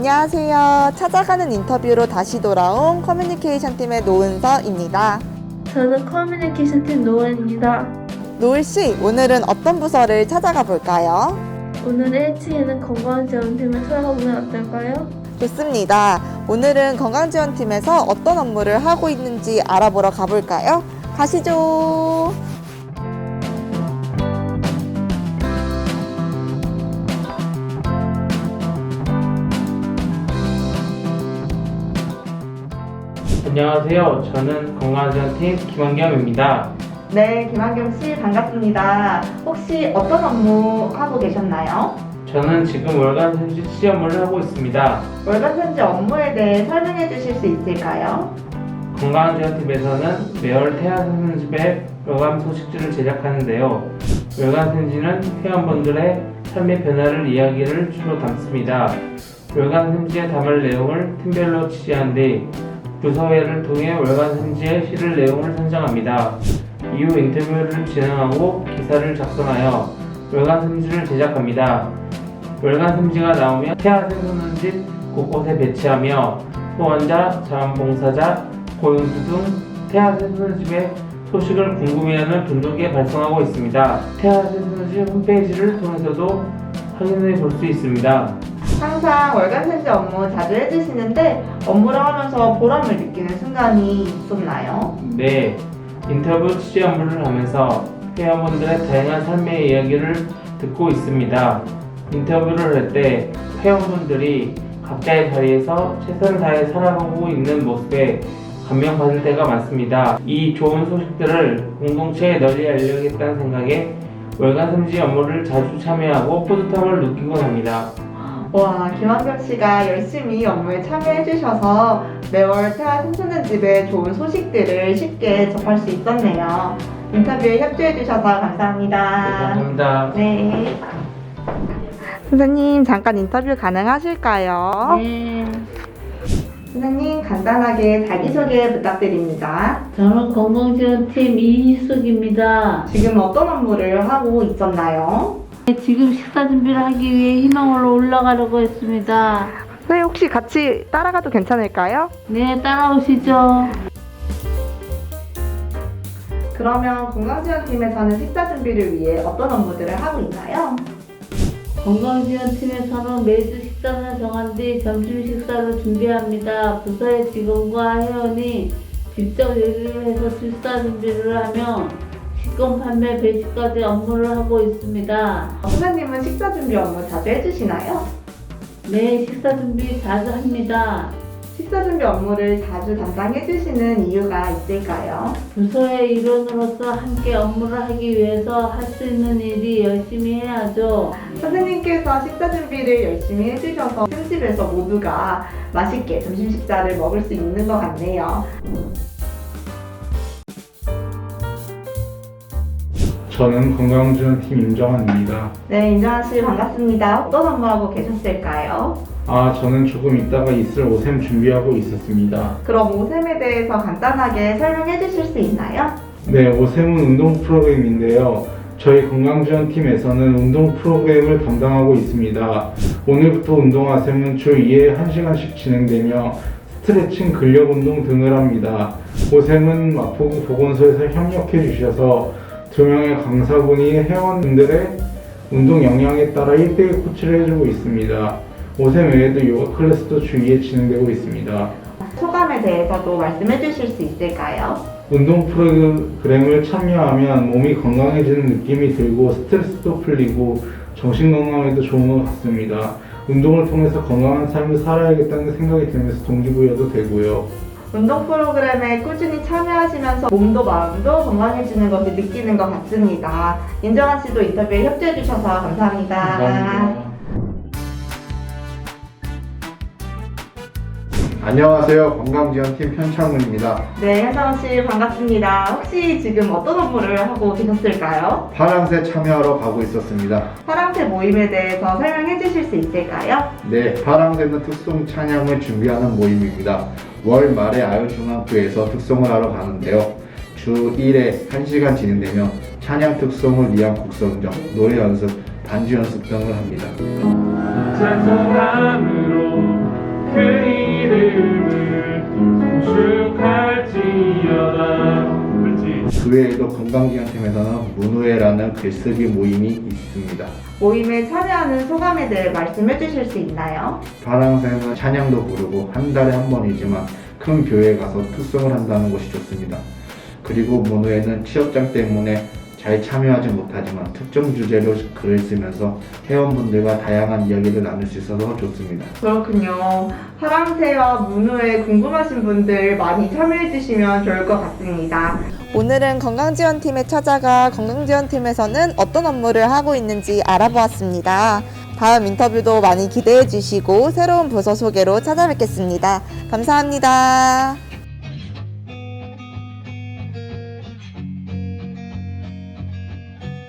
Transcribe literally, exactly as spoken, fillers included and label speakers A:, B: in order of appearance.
A: 안녕하세요. 찾아가는 인터뷰로 다시 돌아온 커뮤니케이션 팀의 노은서입니다.
B: 저는 커뮤니케이션 팀 노은입니다.
A: 노을씨, 오늘은 어떤 부서를 찾아가 볼까요?
B: 오늘 일 층에는 건강지원팀을 찾아보면 어떨까요?
A: 좋습니다. 오늘은 건강지원팀에서 어떤 업무를 하고 있는지 알아보러 가볼까요? 가시죠.
C: 안녕하세요. 저는 건강지원팀 김원겸입니다.
A: 네, 김한겸씨 반갑습니다. 혹시 어떤 업무 하고 계셨나요?
C: 저는 지금 월간 생쥐 취재 업무를 하고 있습니다.
A: 월간 생쥐 업무에 대해 설명해 주실 수 있을까요?
C: 건강지원팀에서는 매월 태아생쥐의 월간 소식지를 제작하는데요. 월간 생쥐는 회원분들의 삶의 변화를 이야기를 주로 담습니다. 월간 생쥐에 담을 내용을 팀별로 취재한 뒤 부서회를 통해 월간 생쥐의 실을 내용을 선정합니다. 이후 인터뷰를 진행하고 기사를 작성하여 월간 생쥐를 제작합니다. 월간 생쥐가 나오면 태아 생소년집 곳곳에 배치하며 소환자, 자원봉사자, 고용주 등 태아 생소년집의 소식을 궁금해하는 분들께 발송하고 있습니다. 태아 생소년집 홈페이지를 통해서도 확인해 볼 수 있습니다.
A: 항상 월간 생쥐 업무 자주 해주시는데 업무를 하면서 보람을 느끼는 순간이 있었나요?
C: 네, 인터뷰 취재 업무를 하면서 회원분들의 다양한 삶의 이야기를 듣고 있습니다. 인터뷰를 할 때 회원분들이 각자의 자리에서 최선을 다해 살아가고 있는 모습에 감명받을 때가 많습니다. 이 좋은 소식들을 공동체에 널리 알려야겠다는 생각에 월간 생쥐 업무를 자주 참여하고 뿌듯함을 느끼곤 합니다.
A: 와, 김한겸 씨가 열심히 업무에 참여해 주셔서 매월 태아 생소년집의 좋은 소식들을 쉽게 접할 수 있었네요. 인터뷰에 협조해 주셔서 감사합니다.
C: 네, 감사합니다.
A: 네. 선생님, 잠깐 인터뷰 가능하실까요?
B: 네.
A: 선생님, 간단하게 자기소개 부탁드립니다.
B: 저는 건강지원팀 이희숙입니다.
A: 지금 어떤 업무를 하고 있었나요?
B: 지금 식사 준비를 하기 위해 희망으로 올라가려고 했습니다.
A: 선생님, 혹시 같이 따라가도 괜찮을까요?
B: 네, 따라오시죠.
A: 그러면 건강지원팀에서는 식사 준비를 위해 어떤 업무들을 하고 있나요?
B: 건강지원팀에서는 매주 식단을 정한 뒤 점심 식사를 준비합니다. 부서의 직원과 회원이 직접 요리를 해서 식사 준비를 하며 식권 판매, 배식까지 업무를 하고 있습니다.
A: 선생님은 식사 준비 업무 자주 해주시나요?
B: 네, 식사 준비 자주 합니다.
A: 식사 준비 업무를 자주 담당해주시는 이유가 있을까요?
B: 부서의 일원으로서 함께 업무를 하기 위해서 할 수 있는 일이 열심히 해야죠.
A: 선생님께서 식사 준비를 열심히 해주셔서 팀집에서 모두가 맛있게 점심 식사를 먹을 수 있는 것 같네요.
D: 저는 건강지원팀 임정환입니다.
A: 네, 임정환 씨 반갑습니다. 어떤 업무하고 계셨을까요?
D: 아, 저는 조금 있다가 있을 오셈 준비하고 있었습니다.
A: 그럼 오셈에 대해서 간단하게 설명해 주실 수 있나요?
D: 네, 오셈은 운동 프로그램인데요. 저희 건강지원팀에서는 운동 프로그램을 담당하고 있습니다. 오늘부터 운동하셈은 주 이 회 한 시간씩 진행되며 스트레칭, 근력 운동 등을 합니다. 오셈은 마포구 보건소에서 협력해 주셔서 두 명의 강사분이 회원분들의 운동 역량에 따라 일 대일 코치를 해주고 있습니다. 오셈 외에도 요가 클래스도 주 이 회 진행되고 있습니다.
A: 소감에 대해서도 말씀해 주실 수 있을까요?
D: 운동 프로그램을 참여하면 몸이 건강해지는 느낌이 들고 스트레스도 풀리고 정신 건강에도 좋은 것 같습니다. 운동을 통해서 건강한 삶을 살아야겠다는 생각이 들면서 동기부여도 되고요.
A: 운동 프로그램에 꾸준히 참여하시면서 몸도 마음도 건강해지는 것을 느끼는 것 같습니다. 임정환 씨도 인터뷰에 협조해 주셔서 감사합니다.
D: 감사합니다.
E: 안녕하세요. 건강지원팀 현창훈입니다.
A: 네, 현정환 씨 반갑습니다. 혹시 지금 어떤 업무를 하고 계셨을까요?
E: 파랑새 참여하러 가고 있었습니다.
A: 파랑새 모임에 대해서 설명해 주실 수 있을까요?
E: 네, 파랑새는 특송 찬양을 준비하는 모임입니다. 월 말에 아유중앙교에서 특송을 하러 가는데요. 주 일 회 한 시간 진행되며 찬양 특송을 위한 곡선정, 노래 연습, 반주 연습 등을 합니다.
C: 찬송함으로 그 이름을 축할지어다. 그렇지.
E: 그 외에도 건강기관팀에서는 문우회라는 글쓰기 모임이 있습니다.
A: 모임에 참여하는 소감에 대해 말씀해 주실 수 있나요?
E: 파랑새는 찬양도 부르고 한 달에 한 번이지만 큰 교회에 가서 특송을 한다는 것이 좋습니다. 그리고 문우회는 취업장 때문에 잘 참여하지 못하지만 특정 주제로 글을 쓰면서 회원분들과 다양한 이야기를 나눌 수 있어서 좋습니다.
A: 그렇군요. 파랑새와 문우에 궁금하신 분들 많이 참여해 주시면 좋을 것 같습니다. 오늘은 건강지원팀에 찾아가 건강지원팀에서는 어떤 업무를 하고 있는지 알아보았습니다. 다음 인터뷰도 많이 기대해 주시고 새로운 부서 소개로 찾아뵙겠습니다. 감사합니다.